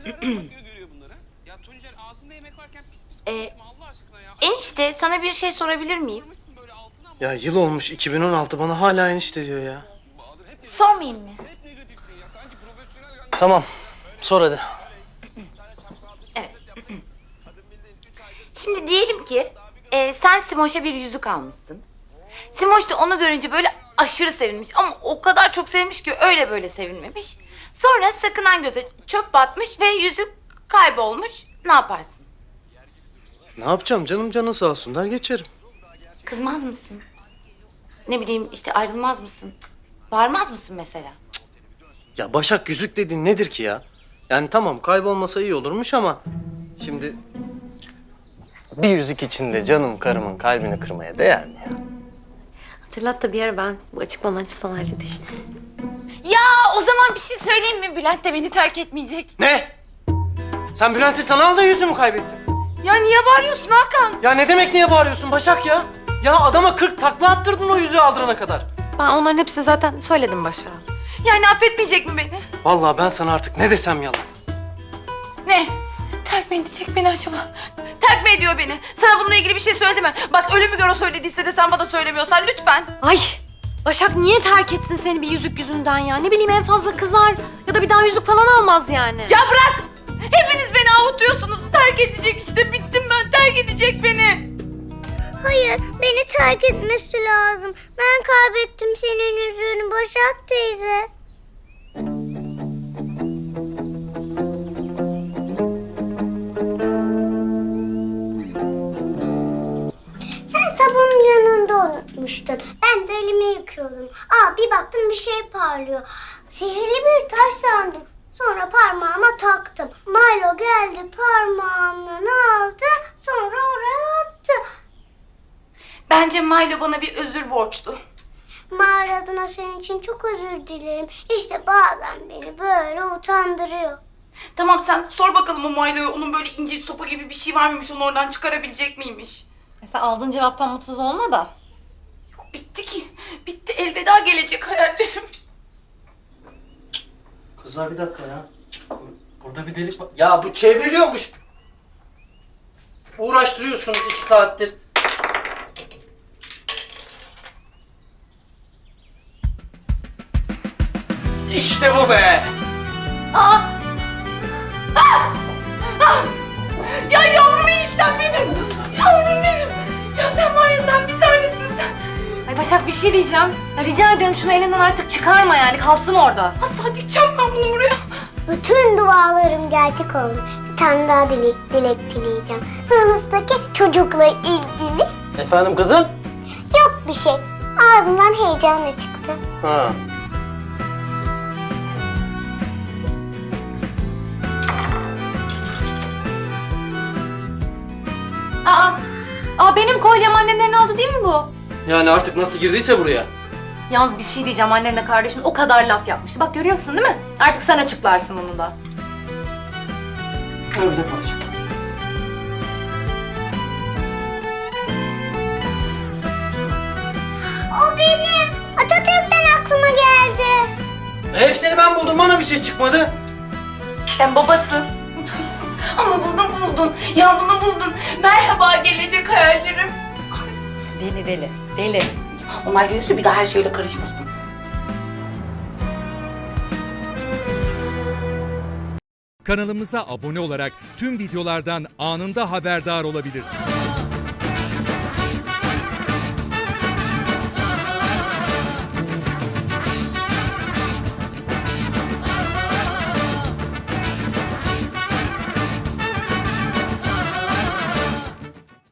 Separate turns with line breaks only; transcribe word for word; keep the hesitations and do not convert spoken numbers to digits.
Ya Tuncer ağzında yemek varken pis pis
Ee,
konuşma Allah aşkına ya.
Enişte sana bir şey sorabilir miyim?
Kırmışsın böyle altına ama.
Ya yıl olmuş iki bin on altı, bana hala enişte diyor ya.
Sormayayım mı?
Tamam, sor hadi.
Evet. Şimdi diyelim ki e, sen Simoş'a bir yüzük almışsın. Simoş da onu görünce böyle aşırı sevinmiş ama o kadar çok sevmiş ki öyle böyle sevinmemiş. Sonra sakınan göze çöp batmış ve yüzük kaybolmuş. Ne yaparsın?
Ne yapacağım canım, canın sağ olsun der geçerim.
Kızmaz mısın? Ne bileyim işte ayrılmaz mısın? Bağırmaz mısın mesela?
Ya Başak, yüzük dediğin nedir ki ya? Yani tamam, kaybolmasa iyi olurmuş ama şimdi bir yüzük içinde canım karımın kalbini kırmaya değer mi ya?
Hatırlat da bir ara ben bu açıklaman için sana ayrıca teşekkür ederim.
Ya o zaman bir şey söyleyeyim mi? Bülent de beni terk etmeyecek.
Ne? Sen Bülent'i sana al da yüzüğümü kaybettin.
Ya niye bağırıyorsun Hakan?
Ya ne demek niye bağırıyorsun Başak ya? Ya adama kırk takla attırdın o yüzüğü aldırana kadar.
Ben onların hepsini zaten söyledim Başak'a.
Yani affetmeyecek mi beni?
Vallahi ben sana artık ne desem yalan.
Ne? Terk mi edecek beni acaba? Terk mi ediyor beni? Sana bununla ilgili bir şey söyledi mi? Bak ölümü gör o söylediyse de sen bana söylemiyorsan lütfen.
Ay! Başak niye terk etsin seni bir yüzük yüzünden ya? Ne bileyim en fazla kızar ya da bir daha yüzük falan almaz yani.
Ya bırak! Hepiniz beni avutuyorsunuz. Terk edecek işte. Bittim ben. Terk edecek beni.
Hayır, beni terk etmesi lazım. Ben kaybettim senin yüzüğünü Başak teyze. Sen sabunun yanında unutmuştun. Ben de elimi yıkıyordum. Aa, bir baktım bir şey parlıyor. Sihirli bir taş sandım. Sonra parmağıma taktım. Milo geldi parmağımdan aldı. Sonra oraya attı.
Bence Milo bana bir özür borçlu.
Mağara adına senin için çok özür dilerim. İşte bazen beni böyle utandırıyor.
Tamam sen sor bakalım o Milo'ya. Onun böyle ince sopa gibi bir şey var mıymış? Onu oradan çıkarabilecek miymiş?
Sen aldığın cevaptan mutsuz olma da.
Yok bitti ki. Bitti. Elveda gelecek hayallerim.
Kızlar bir dakika ya. Burada bir delik var. Ya bu çevriliyormuş. Uğraştırıyorsunuz iki saattir. İşte bu be.
Aa! Ah! Ah! Ya yavrum eniştem benim. Yavrum benim. Ya sen var ya sen bir tanesin sen.
Ay Başak bir şey diyeceğim. Ya rica ediyorum şunu elinden artık çıkarma yani kalsın orada.
Asla dikeceğim ben bunu buraya.
Bütün dualarım gerçek oldu. Bir tane daha dilek, dilek dileyeceğim. Sınıftaki çocukla ilgili
Efendim kızım?
yok bir şey. Ağzımdan heyecanla çıktı.
Ha.
Aa! Aa benim kolyem annenlerin aldı değil mi bu?
Yani artık nasıl girdiyse buraya.
Yalnız bir şey diyeceğim annenle kardeşin o kadar laf yapmıştı. Bak görüyorsun değil mi? Artık sen açıklarsın onu da.
Öyle parça.
O benim. Atatürk'ten aklıma geldi.
Hepsini ben buldum, bana bir şey çıkmadı.
Sen babasın. Ama bunu buldun. Ya bunu buldun. Merhaba gelecek hayallerim.
Deli deli. Deli.
Onlar diyorsa bir daha her şeyle karışmasın.
Kanalımıza abone olarak tüm videolardan anında haberdar olabilirsiniz.